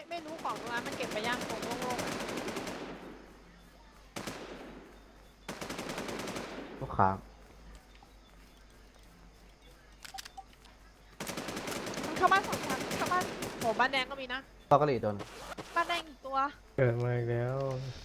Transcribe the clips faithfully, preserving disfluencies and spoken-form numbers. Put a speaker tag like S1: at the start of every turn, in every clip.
S1: ไม่รู้ของตรงนั้นมันเก็บไปย่างตรงโล่งๆ
S2: ลูกค้า
S1: มันเข้าบ้านสองชั้นเข้าบ้านโหบ้านแดงก็มีนะ
S2: ตอกกะหรี่โดน
S1: บ้านแดงอีกตัว
S3: เกิดมาอีกแล้ว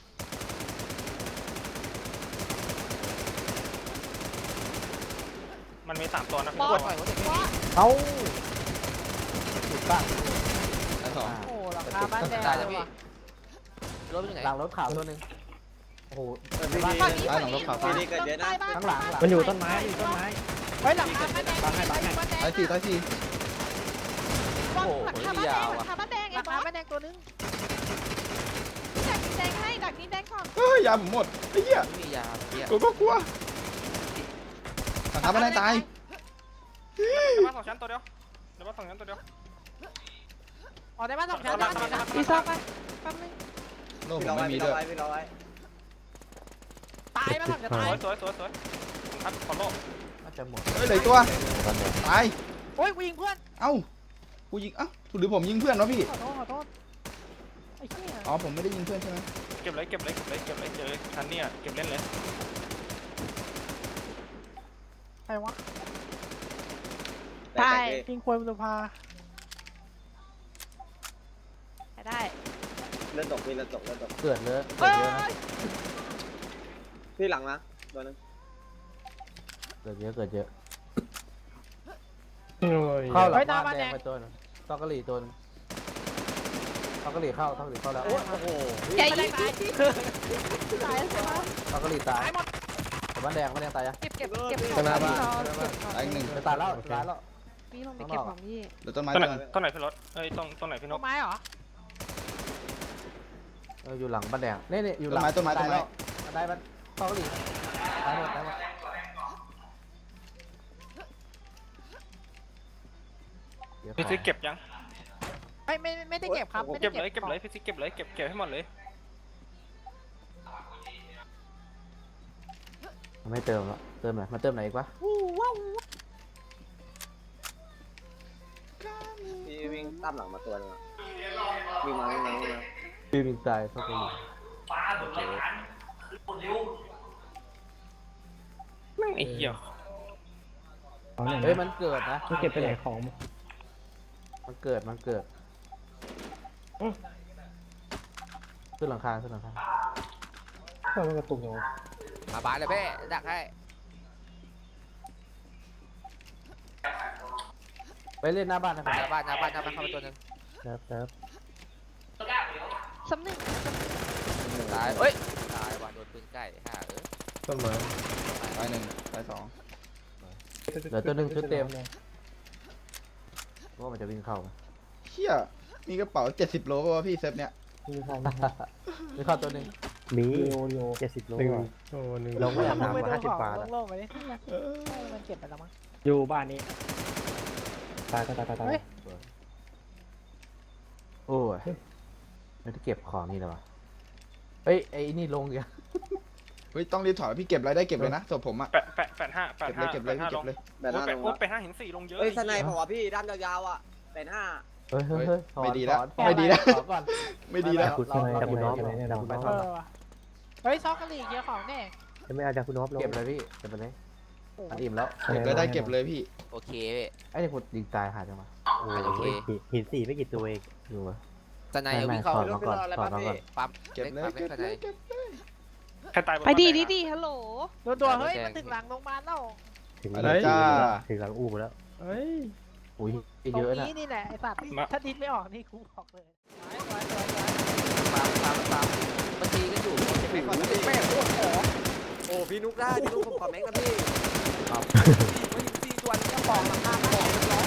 S4: มันมีสามตัวนะพี่
S1: บอ
S4: ตัว
S1: ส
S2: เอ้าถูกตั้ง
S5: ชั้นสอง
S1: โอ้หลังคาบ้านแดงเลยว่ะ
S5: รถไปไหน
S2: หลังรถขาวตัวหนึงโอ้โห
S6: พี่
S2: บ้าน
S6: ดี
S1: ฝั่งนี้
S6: ไอ้
S1: ฝั่ง
S6: หลังร
S1: นี้
S6: ถขาว
S1: ฝั่
S6: พี่ดีเกิดเยอะนะ
S2: ข้างหลัง
S3: มันอยู่ต้นไม้อยู่ต้นไม้
S1: เฮ้ยหลังคาบ้านแดง
S3: บังให้บังให้
S1: บ้านแดง
S6: ตายสี่ตายสี่
S1: หลังคาบ้านแดงหลังคาบ้านแดงหลังคาบ้านแดงตัวนึงดักดินแดงให้ดักดินแดงก่อน
S6: เฮ้ยยาผมหมดไอ้เหี้ย
S5: ไม่มียาเพี้ย
S6: กูก็กลัวสังหารไม่ได้ตาย
S4: เดี๋ยวบ้านสองชั้นตัวเดียวเดี๋ยวบ้านสองชั้นตัวเดียว
S1: ออกได้บ้านสองชั้นได้บ้านสองชั้นอีซ่าไปแป๊บนึง
S6: โล่ผมไม่มีด้วย
S1: ตายบ้านสองชั้น
S4: ส
S1: ตา
S4: วย ยสวยสวยสวยอัดขอโลก
S2: น่าจะหมด
S6: เฮ้ยเหลืออกตัว
S2: ตอนเด็ก
S6: ตาย
S1: โอ้ยกูยิงเพื่อน
S6: เอ้ากูยิงเอ้าหรือผมยิงเพื่อนวะพี่
S1: ขอโทษขอโทษไอ้เหี้ย
S6: อ๋อผมไม่ได้ยิงเพื่อนใช่ไหม
S4: เก็บเลยเก็บเลยเก็บเลยเก็บเลยเจอชั้นเนี่ยเก็บเล่นเลย
S1: ใครวะตายยิงควยบุรพาได้
S7: เลือดตกพี่เลือดตกเลือดตก
S2: เกิดเลอะเกิ
S1: เอ้
S2: ดเยอะนะ
S1: ย
S7: พี่หลังนะตัวนึง
S2: เกิดเยอะเกิดเยอะ
S3: โอ้ย
S2: เข้าหลังบ้านแดงไปตัวหนึงตอกกะหรี่ตัวหนึงตอกกะหรี่เข้าตอกกะหรี่เข้าแล้วโอ้โห
S1: ใหญ่ยิงตายตายใช่ไหม
S2: ตอกกะหรี่ตายแต่บ้านแดงบ้านแดงตายยัง
S1: เก็บเก็บเก็บ
S6: ข้างหน้าบ้าน
S1: ของ
S6: ตายอีกหนึ่ง
S2: จะตายแล้วตายแล้ว
S1: พี่ลงไปเก็บของพี่
S6: เดี๋ยวต้นไม้
S4: ต้นไหน
S6: ตัวนึง
S4: ต้นไหนพี่รถเอ้ยต้นต้นไหนพี่น
S1: ต้
S4: ก
S1: นไม้เหรอ
S2: เอออยู่หลังบ้านแดงนี่นี่อยู่หลัง
S6: ต้นไม้ต้นไม้ต้นไม้
S2: ตายมันตอกกะหรี่ตายหมดตายหมด
S4: พี่ซิกเก็บยัง
S1: ไม่ไม่ไม่ได้เก็บครับไม่
S4: เก็
S1: ได้
S4: บเลยเก็บเลยพี่ซิกเก็บเลยเก็บเก็บให้หมดเลย
S2: ไม่เติมแล้วเติมไหนมาเติมไหนอีกวะ
S7: พี่วิ่งตามหลังมาตัวนึงวิ่งมาวิ่งมาวิ่งมา
S2: ปีนตายตอกกะหรี่
S4: แม่งไอ้เหี้ย
S3: ของไหน
S2: เฮ้ย
S3: นะ
S2: มันเกิดนะ
S3: มันเก็บไปไหนของ
S2: มันเกิดมันเกิดขึ้นหลังคาขึ้นหลังคา
S3: ก็มันกระตุกอย่าง
S5: มาบ้านเลยแม่ดักให้
S2: ไปเล่นหน้าบ้านนะค
S5: ห
S2: รับ
S5: น้าบ้านหน้าบ้านหน้าบ้านเข้าไปตัวนึง
S3: ครับครับ
S1: ซ้ำหนึ่ง
S5: ตายเอ้ยตายว่ะโดนปืนใกล้ห่าเออ
S3: ต้นไม้
S6: ตายหนึ่งตายสอง
S2: เหลือตัวหนึ่งชุดเต็มว่ามันจะวิ่งเข้า
S6: เฮียมีกระเป๋าเจ็ดสิบโลป่ะวะพี่เซฟเนี้ย
S3: มีความ
S2: วิ่งเข้าตัวหนึ่ง
S3: มีเจ็ดสิบโลโอ้หนึ่งลงไม่
S1: ล
S3: อยาก
S1: ง
S3: ทำ
S1: ไป
S3: มา
S1: ดู
S3: ห้าสิ
S1: ข
S3: บ
S1: อง
S3: บาทอะ
S1: โล่งๆไปดิมันเก็บไปแล้วมั้ง
S3: อยู่บ้านนี้ตายตายตายตายตาย
S1: เฮ้ย
S2: โอ้ยไม่ได้เก็บของนี่เลยวะเฮ้ยไอ้นี่ลงยัง
S6: เฮ้ยต้องรีบถอยพี่เก็บอะไรได้เก็บเลยนะศพผมอะ
S4: แปะแปะแปะห้าแปะ
S6: เก็บเล
S4: ห้าย
S6: เก็บเลย
S4: แปะห้า
S6: พี่เก็
S4: ล
S6: บ
S4: ง
S6: เลย
S7: แบบ
S4: โอ้
S7: นั้น
S4: แปะ
S7: ลง
S4: โอ้
S7: วะ
S4: แปะห้าหินสี่ลงเยอะ
S7: เฮ้ยสไนผมว่ะพี่ด้านยาวๆอ่ะเป็นห้า
S2: เฮ้ยเฮ้ยเฮ้ยถอน
S6: ไม่ดีแล้ว
S2: ถอน
S6: ไม่ดีแล้ว
S2: ถอนก่อน
S6: ไม่ดีแล้ว
S2: คุณ
S3: คุณอะไรคุณน้องอะไรเนี่ย
S2: คุณไป
S3: คุณ
S2: ถ
S3: น้
S2: อ
S3: อน ง
S1: เออว่ะเฮ้ยซอกกะหรี่เยอะของแน่
S3: จะไม่เอาจากคุณน้องลง
S2: เก็บเลยพี่เก็บไปเลยมันอิ่มแล้ว
S6: เก็บเลยได้เก็บเลยพี่
S5: โอเค
S2: ไอ้นี่ผมยิงตายหาจังวะ
S5: โอเค
S3: หินสี่ไม่กี่ตัวเอง
S2: อยู่วะ
S5: สไนเอาวิ่งเข้า
S2: ถอนมาก่อนถอนมาก่อน
S5: ปั๊ม
S6: เก็บเลย
S5: ปั๊ม
S6: เก็บ
S5: ส
S6: เล
S5: ไน
S6: ยเก็บเลย
S4: ใครตายบน
S1: ไปดี
S4: บ้าน
S1: ดี
S4: แงอะ
S1: ดีฮัลโหลตัวตัวเฮ้ยมันถึงหลังโรงพยาบาลแล้ว
S3: ถึง
S6: อะไรจ้า
S3: ถึงหลังอู้แล้ว
S1: เฮ้ย
S2: อุ้ย
S1: ตร
S2: เย
S1: ง
S2: อะนะ
S1: นี้นี่แหละไอ้สัตว์ถ้าดิ้นไม่ออกนี่กูบอกเลย
S5: ปั๊มปั๊มปั๊มมันตีกันอยู่
S7: แม็กก่อนนะพี่
S5: แม่งโคตรของ
S7: โอ้พี่นุกได้พี่นุกผมขอแม็กนะพี่
S5: มันตีส่วนจะบอกราคาบอกเป็นร้อย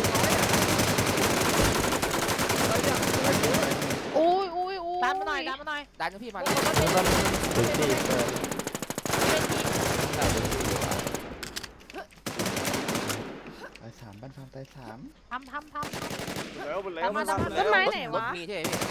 S1: อุ้ยอุ้ยอุ้ยดันมาหน่อยดันมาหน่อย
S5: ดันพี่มา
S3: หินสี่เปิด
S6: ตายสามบ้านฟาร์มตายสาม
S1: ทำทำทำ
S7: แล้วหมดแล้ว
S1: ทำมาทำ
S7: หม
S1: มา
S7: ด
S1: ต้
S7: แล้
S1: น
S7: ว
S1: ไม้ไหน
S5: รถ
S1: วะ
S5: มีใช่ไหมพี่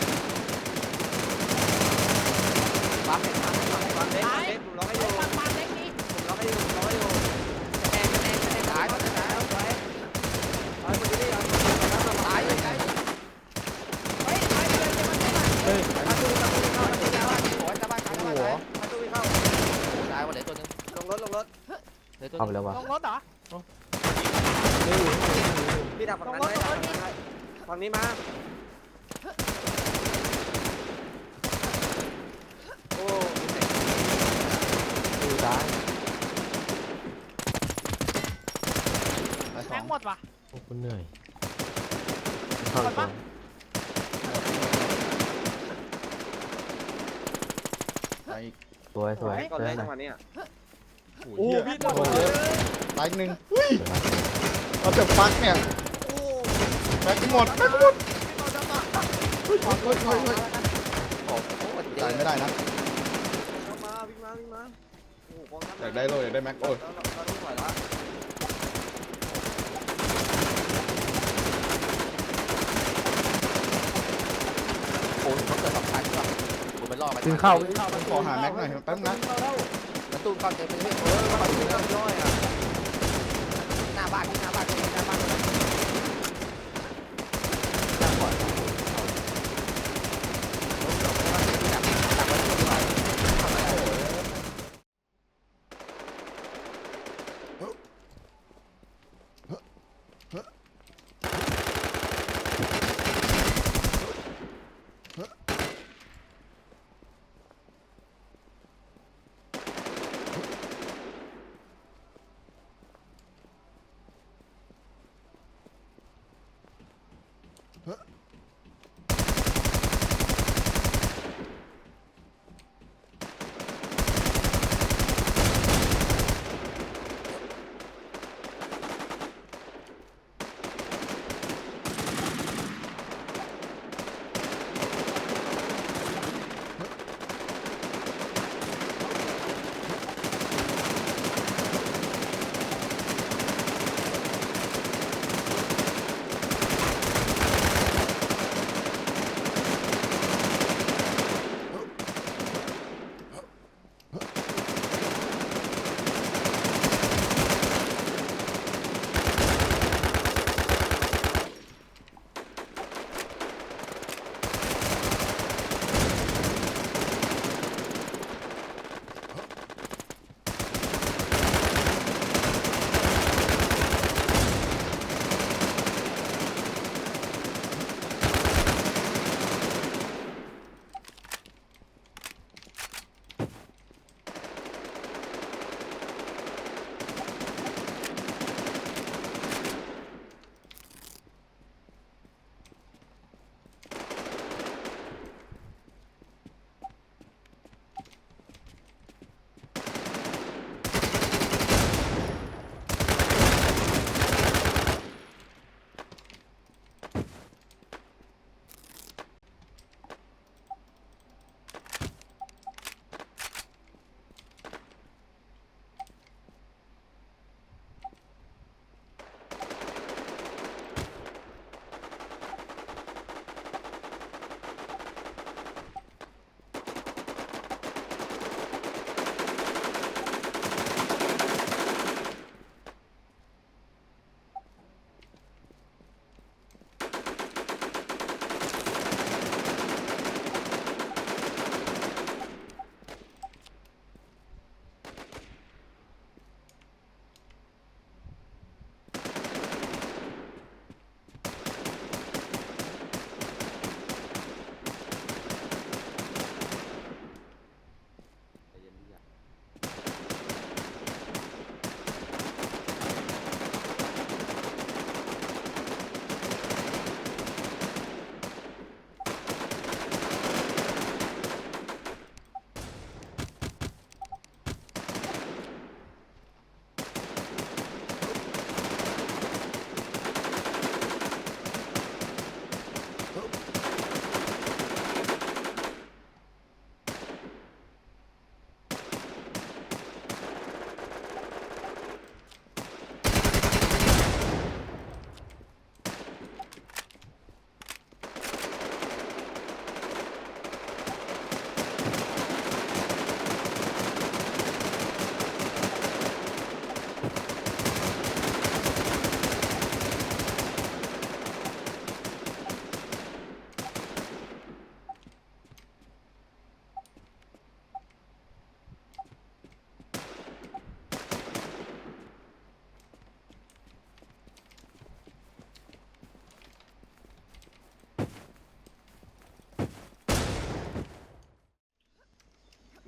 S5: ปั๊มเป็นปั๊มปั๊มปั๊ม
S7: เล็กเล็กผมร้องให้ดู
S1: ปังปังเล็กนี่
S7: ผมร้องให้ดูผมร้องให้ดู
S5: แทงแทงแทงตายมันตาย
S7: เอาไปเอาไปเอาไปเอาไป
S5: ตายเลยไกล
S1: เฮ้ย
S2: ฮ้ย
S5: มาตู้มาตู้เข้ามาตู้ยาวโอ้ยจะบ้านจะบ้านตาย
S7: มาตู้เข้า
S5: ตายวันเหลือตัวนึง
S7: ลงรถลงรถ
S5: เหลือตัว
S2: เข้าไป
S5: นึง
S2: แล้ววะ
S1: ลงรถเหรอ
S7: พี่ดักฝั่งนั้นไว้ดักฝั่งนั้นไว้ฝั่งนี้มาโอ้
S2: ดูตาย
S6: ตายสอ
S1: แม็
S6: ง
S1: กหมดว่ะ
S3: โอ้คุณเหนื่อย
S2: เข้าไปตัว
S6: ตายอีก
S2: สวยสวย
S7: ก่อน
S2: เจ
S7: เล
S2: อย ห
S7: จั
S2: น่
S7: ง
S2: อย
S7: หวะนี้
S6: โอ้ยพี่หมดเลยตายอีกหนึ่งอุ้ยเราจะฟักเนี่ยแม็กหมดแม็กหมดเฮ้ยเฮ้ยเฮ้ยเฮ้ยเฮ้ย
S5: โอ้โหเดี๋ยว
S6: ตายไม่ได้นะ
S7: มาวิ่งมาวิ่งมาโอ้โห
S6: อยากได้โลอยากได้แม็กโอ้ย
S7: เราต้องถอยแล้ว
S5: โอ้ยเขาเกิดสองชั้นว่ะผมไปล่อมัน
S2: วิ่งเข้าวิ่งเข้า
S6: ขอหาแม็กหน่อยแป๊บนะ
S5: มันตู้เข้าเต็มไปเลย
S7: เออมาถึงแล้วย่อยอ่ะ
S5: หน้าบ้านที่หน้าบ้านที่หน้าบ้าน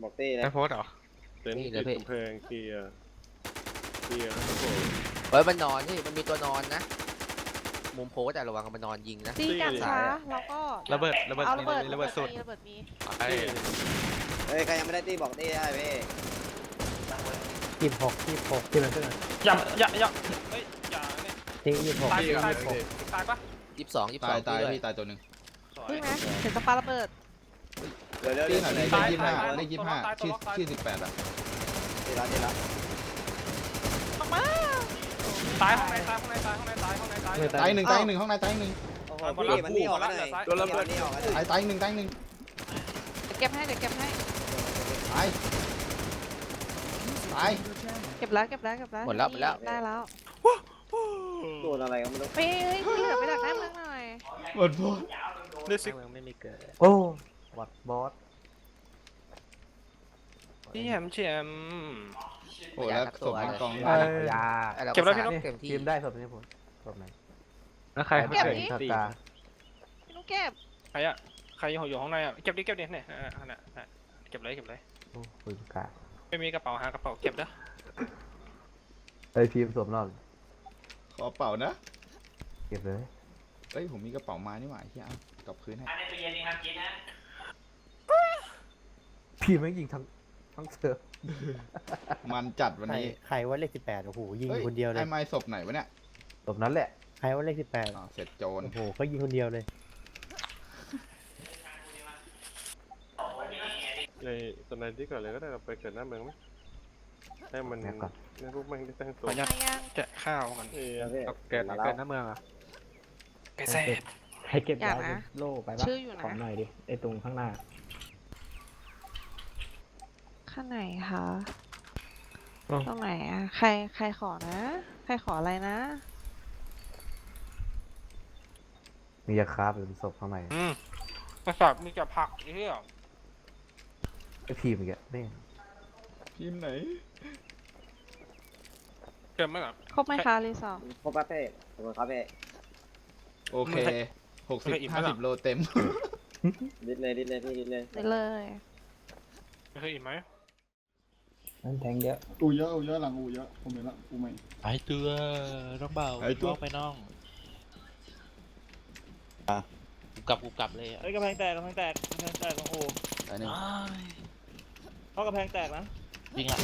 S7: บอกตี้เลย
S4: ไอ้โพสเหรอ
S8: เต็นท์ติดกำแพงเคลียร์เคลียร์ครับผม
S5: เฮ้ยมันนอนที่มันมีตัวนอนนะมุมโพสแต่ระวังมันนอนยิงนะ
S1: ตีกันช้าแล้วก็
S4: ระเบิดระเบิด
S1: เอาระเบิด
S4: ระเบิดสุด
S1: มีระเบิดมี
S4: ไอ้
S7: เฮ้ยใครยังไม่ได้ตี้บอกตี้ได้พี่
S3: ยี่สิบหกยี่สิบหกที่มันขึ้นมา
S4: อย่าอย่าอย่าเฮ้ยอย่าเนี่ย
S3: ที่ยี่สิบหก
S4: ตาย
S3: ยี่สิบ
S4: ตาย
S3: หก
S4: ตายปะ
S5: ยี่สิบสองยี่สิบส
S6: ตา
S5: อย ง
S6: ตาย
S5: ด้วย
S6: พี่ตายตัวหนึ่ง
S4: สวย
S1: พึ่งนะเห็นสปาระเบิด
S7: เดี๋ยวเดี๋ยว
S6: ตี
S7: เดี๋ยว
S6: หน่อยเลข
S7: ตาย
S6: ยี่สิบห้า
S4: ตาย
S6: เลขยี่สิบห้า
S4: ตาย
S6: ชื่อ
S4: ตาย
S6: ชื่อสิบแปดอ่ะ
S7: ตีละตีละ
S1: ออกมา
S4: ตายห้องในตายห้องในตายห้องในตายห้องในตาย
S6: ตายหนึ่งตายหนึ่งห้องในตายหนึ่ง
S7: โอ้โหพี่มันนี่ออกมาเลยโดนระเบิดนี่ออกมาเลย
S6: ตายตายหนึ่งตายหนึ่ง
S1: เดี๋ยวเก็บให้เดี๋ยวเก็บให้
S6: ตายตาย
S1: เก็บแล้วเก็บแล้วเก็บแล้ว
S5: หมดแล้วหมดแล้ว
S1: ได้แล้ว
S7: โดนอะไรก็ไม่รู้
S1: เฮ้ยเฮ้ยที่เหลือไปดักหน้าเมืองหน่อย
S6: หมดพอ
S4: เดือดซิก
S3: เมืองไม่มีเกิด
S2: โอ้วัดบอส
S4: ที่แหมเฉียม
S6: โอ้แล้วศพมันกอง
S2: เอ้ย
S3: ยา
S5: ไอ้รา
S4: เก็บแล้วพี่นก
S5: เต็มที่
S2: ทีมได้ศพนี้ผมศพไหน
S3: แล้วใคร
S2: ไม่เกิดสตาร์
S1: พี่นุ๊กเก็บ
S4: ใครอะใครอยู่ห้องในอะเก็บดิเก็บดิเนี่ยอ่าน่ะน่ะเก็บเลยเก็บเลย
S2: โอ้ปืนกา
S4: ไม่มีกระเป๋าหากระเป๋าเก็บเด้อ
S2: ไอ้ยทีมสวมรอบ
S6: ขอเป่านะ
S2: เก็บเลย
S6: เอ้ยผมมีกระเป๋ามานี่หว่าที่เอากลับคืนให้
S2: พี่ไม่งยิงทั้งทั้งเซิร์ฟ
S6: มันจัดวัน
S3: ใคร
S6: นี้
S3: ใครว่าเลขสิบแปดโอ้โหยิง
S6: อ้
S3: คนเดียวเลย
S6: ไอ้ไม้ศพไหนวะเนี่ย
S2: ศพนั้นแหละ
S3: ใครว่าเลขสิบแปด
S6: อ๋อเสร็จโจร
S3: โอ้โหเขายิงคนเดียวเลย
S8: ในตอนไหนที่ก่อนเลยก็ได้เราไปเกิดหน้าเมืองไหมให้มันให้พวกมันได้ตั้งตัว
S4: ขออนุญาต
S1: มายัง
S4: แกะข้าวกัน
S8: เออ
S3: เกิดเกิดหน้าเมืองอ่ะ
S4: แกะเสร็จ
S3: ให้เก็บ
S1: อยากนะ
S3: โล่ไป
S1: ชื่ออยู่นะ
S3: ของหน่อยดิไอตรงข้างหน้า
S1: ข้างไหนคะตรงไหนอะใครใครขอนะ ใครขออะไรนะ
S2: มียาคาบหรือศพข้างใน
S4: อืมกระสับมีแต่ผักไอ้เหี้ย
S2: ไอ้พีมอีกอะนี่
S6: ทีมไหน
S4: เก็บไหมล่ะ
S1: ครบไหมคะรีสอร์ท
S7: ครบป่ะเป้ขอบคุณครับเป้
S6: โอเคหกสิบห้าสิบโลเต็ม
S7: ดิดเลยดิดเลยพี่ดิดเลย
S1: ได้เลย
S4: เคยอิ่มไหม
S3: นั่นแทงเยอะ
S9: อูเยอะอูเยอะหลังอูเยอะผมเห็นละอูใหม่
S10: ไอ้ตัวน้องเบา
S6: ไอ้ตัว
S10: ไปน้องกูกลับกูกลับเลยอ่ะ
S9: เฮ้ยกระแพงแตกกระแพงแตกกระแพงแตกของอู
S6: อันนี้
S10: อ้าย
S9: เพราะกระแพงแตกนะ
S10: จริงอ่ะ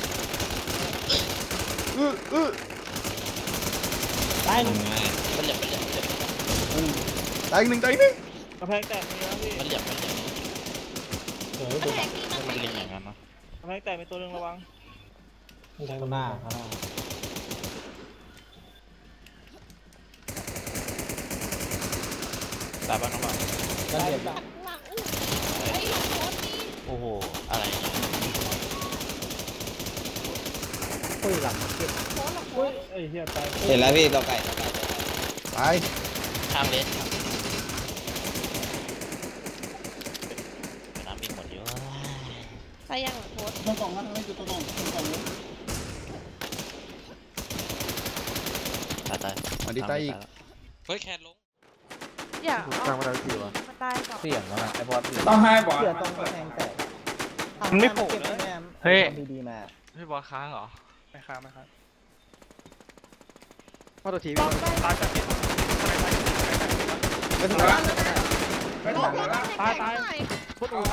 S6: อื้ออื้อ
S10: ตายหนึ่งมันเหลี่ยมมันเหลี่ยมมันเหลี่ยม
S6: ตายอีกหนึ่งตายอีกหนึ่ง
S9: กระแพงแตกมีนะพี่
S10: มันเหลี่ยมมันเหลี่ยมเออดูแบบมันเลียงอย่างนั้นเนาะ
S9: กระแพงแตกมีตัวหนึงระวัง
S3: ข้างหน้าข้างหน้า
S10: ตายบ้างน้องเบา
S3: ได้เด็ด
S10: โอ้โหอะไรเนี่ย
S3: ปุ้ยหลังเก็บ
S9: เอ้ยเฮียตาย
S7: เห็นแล้วพี่ตัวไก่ตัวไก่
S6: ตาย
S10: ข้ามเลสครับน้ำมีหมดเยอะ
S1: ไปยังเหรอโพสต์
S9: ตัวกล่องนะไม่จุดตัวกล่องตัวกล่องเลย
S10: ตายตาย
S6: วันที่ตายอีก
S10: เฮ้ยแคนลง
S1: อย่าเอามันตายก่อน
S2: เสี่ยงแล้วนะไอ้บอส
S9: ต้องให้บอล
S3: เสือตรงกระแพงแตก
S4: มันไม่โผล่เลย
S3: เฮ้ยดีๆมา
S4: พี่บอลค้างเหรอไม่ค้างไม่ค้าง
S5: พ่อตัวที
S1: บอลได้
S4: ตายจากที่
S6: ไม่ถึงแล้ว
S1: บอลได้
S4: ตายตาย
S1: พุทธอู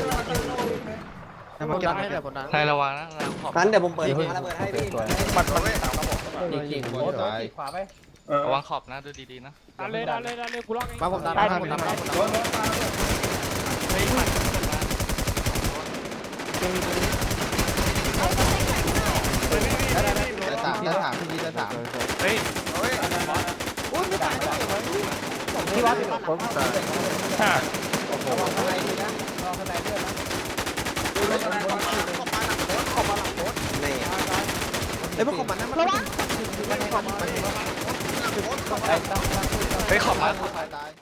S5: ให้มันเก็บให้เดี๋ยวคนนั้น
S10: ใครระวังนะระวังขอบ
S7: งั้นเดี๋ยวผมเปิดระเบิดให้พี่
S4: มันมันไม่ตามระบบ
S2: จริงจริงๆ
S6: โอ้
S2: โอ้
S6: ย
S2: ย
S6: ตาย
S2: ขวาไป
S10: ระวังขอบนะดูดีๆนะ
S4: ดันเลยดันเลยดันเลยกูล็อกเอง
S5: มาผมตามมาผมตามมาผมตามมา
S10: เฮ้ยมัน
S6: จะสามจะสามพี่จะสาม
S4: เฮ้ย
S2: พี่วัดผมตาย
S4: ฮ่า
S7: นี่
S5: เฮ้ยพวกของมันนั่นมัน
S1: ระวัง
S10: เฮ้ยขอบมา
S6: ตายตาย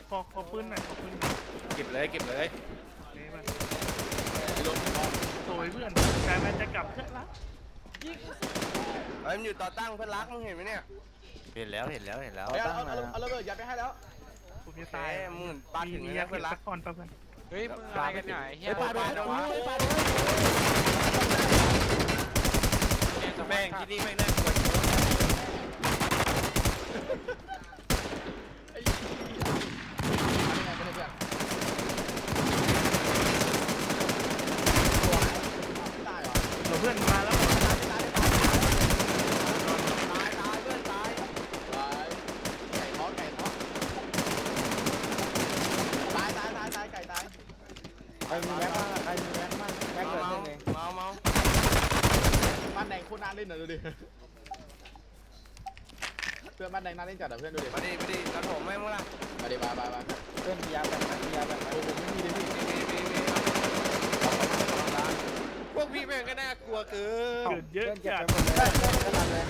S9: ขอขอปืนหน่อยขอปืน
S4: เก็บเลยเก็บเลย
S9: โอยเพื่อนแต่มันจะกลับเพื่อนละ
S5: เฮ้ยมันอยู่ต่อตั้งเพื่อนรักมึงเห็นไหมเนี่ยเห็นแล้วเห็นแล้วเห็นแล้ว
S2: เอาเอาเอาระเบิดยัดไปให้แล้ว
S9: ผมจะตาย
S4: มึงปาถึง
S9: มี
S4: เลย
S9: ยา
S4: นะ
S9: เพื่
S4: เพื่
S9: อ
S4: อน นรั
S9: รัก
S4: ก
S9: ก่อนป่ะเพื่อน
S4: เฮ้ยมึงอะไรกันเนี่ยเฮีย
S2: ไปปาดไปปาดไป
S4: แม่งที่นี่แม่งน่ากลัว
S9: เราเพื่อนมาแล้ว
S2: ใครมีแม็กบ้างใครมีแม็กบ้างแม็กเกิดยังไง
S4: เมาเมา
S2: บ้านแดงโคตรน่าเล่นหน่อยดูดิเพื่อนบ้านแดงน่าเล่นจัดอ่ะเพื่อนดูดิ
S4: มาดิมาดิกระโถมแม่งมึงล่ะ
S2: มาดิมามามาเพื่อนมียาแบบไหนมียาแบบไหนผมไม่มีเลยพี่
S4: มีมีมีพวกพี่แม่งก็น่ากลัวเกิน
S9: เกิดเยอะ
S2: เพื่อนเก็บ
S9: จัด
S2: ไปหมดเลยขนาดเลย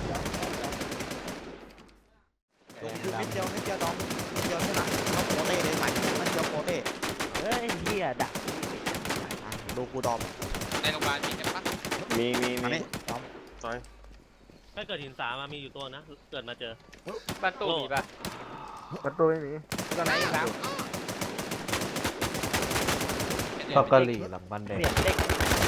S5: ลงคือมิดเดียวมิดเดียวดองมิดเดียวที่หลังเขาโปเต้เลยใหม่มันเดียวโปเต้
S3: เฮ้ยเฮียดัก
S5: ดูกูดอม
S4: ในโรงพยาบาลมีกันปะ
S8: มีมี
S5: มา
S8: มี
S5: นี่ดอม
S8: ซอย
S10: ถ้าเกิดหินสามามีอยู่ตัวนะ เกิดมาเจอ
S4: บ้านตู้มีปะ
S2: ประตูไม่มี
S5: ตัวไหนอีกแล้ว
S2: ตอกะหรี่หลังบ้านแดง
S3: เปลี่ยนเด็ก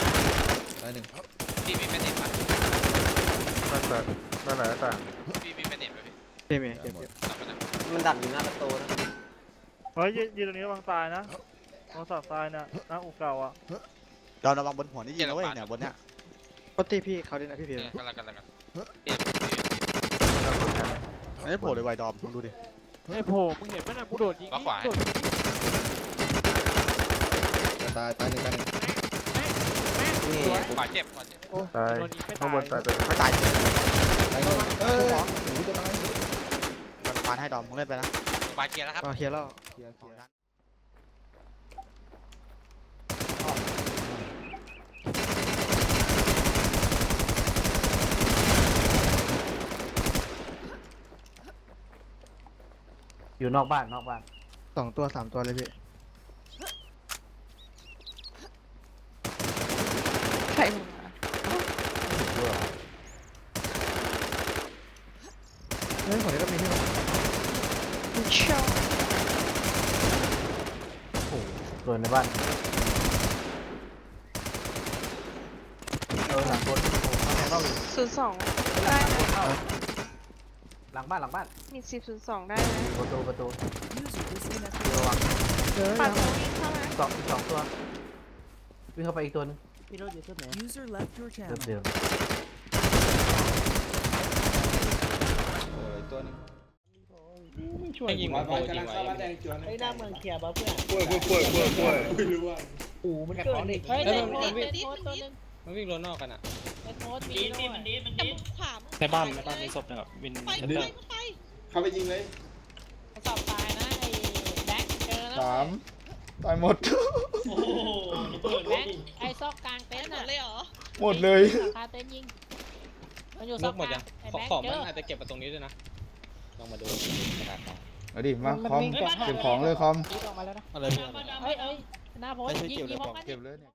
S4: พี่มีแมนเน็ตปะ
S2: นั่นแหละนั่นแหละต่าง
S4: พี่มีแมนเน็ตปะพี่
S5: ไม่มี
S7: มันดักอยู่หน้าประตูนะ
S9: เฮ้ยยืนตรงนี้ระวังตายนะระวังสับตายนะหน้าอกเก่าอ่ะ
S5: ดอมระวังบนหัวนี่ยิงนะเว้ยเนี่ยบนเนี้ยปกติพี่เขาเล่นนะพี่เพียร
S4: กันละกันละกัน
S5: ไม่โผล่เลยไวดอมมึงดูดิ
S9: ไอ้โผล่มึงเห็นไหมนะกูโดดยิง
S4: ล็อกขวา
S6: ตายตายหนึ่งตายหนึ่ง
S4: ขวาเจ็บขวาเจ็บ
S2: ตายข้างบนตายไป
S5: ไม่ตาย
S6: ตายหนึ่งเอ้ย
S5: สอง
S6: หนูจะตาย
S5: มันปานให้ดอมมึงเล่นไปนะ
S4: ขวาเกียร์แล้วครับ
S5: ก็เคลียร์แล้ว
S6: เคลียร์เคลียร์
S2: อยู่นอกบ้านนอกบ้าน
S5: สองตัวสามตัวเลยพี่
S1: ใคร
S5: เฮ้ยของนี้ก็มีที่
S1: เชี่ยว
S2: โอ้โหตัวในบ้านเออหลังบนเข้า
S1: ศูนย์สองได้นะ
S2: หลังบ้านหลังบ้าน
S1: มีสิบศูนย์สองได้นะ
S2: ประตูประตูระวัง
S1: ปัดตัววิ่งเข้ามา
S2: สองสองตัววิ่งเข้าไปอีกตัวนึง
S3: พี่รถอยู่ที่ไหน
S2: เดิมเดิม
S6: โอ้ยตัวหนึง
S9: ให้ยิงมันโผล่จริงไว้
S3: ไอ้หน้าเมืองเคลียร์ป่ะเพื่อน
S9: ป่วยป่วยป่วยป่วย
S3: อูมันเกิดเฮ้ยเด็กเด็กโพสตัวนึง
S4: มันวิ่งรถนอกกันอ่ะ
S3: ไอ้โพสมีด้วยมันดีมันดี
S4: ในบ้านในบ้านมีศพนะครับวินเทนเตอร์
S6: เข้าไปยิงเลย
S3: สอบตายนะไอ้แบ็คเจอแล้ว
S6: สามตายหมด
S3: โอ้โหแบ็คไอ้ซอกกลางเต็นท์อ่ะเลยเหรอ
S6: หมดเลย
S3: คาเต็นท์ยิงมันอยู่ซอกกลางไอ้แบ็คเจอ
S4: อาจจะเก็บมาตรงนี้ด้วยนะลองมาดูกระดาษ
S6: เอาดิมาคอมเก็บของเลยคอม
S3: เฮ้ยเฮ้ยหน้าโพสยิงยิงพร้อมกัน
S6: เก็บเลยเนี่ย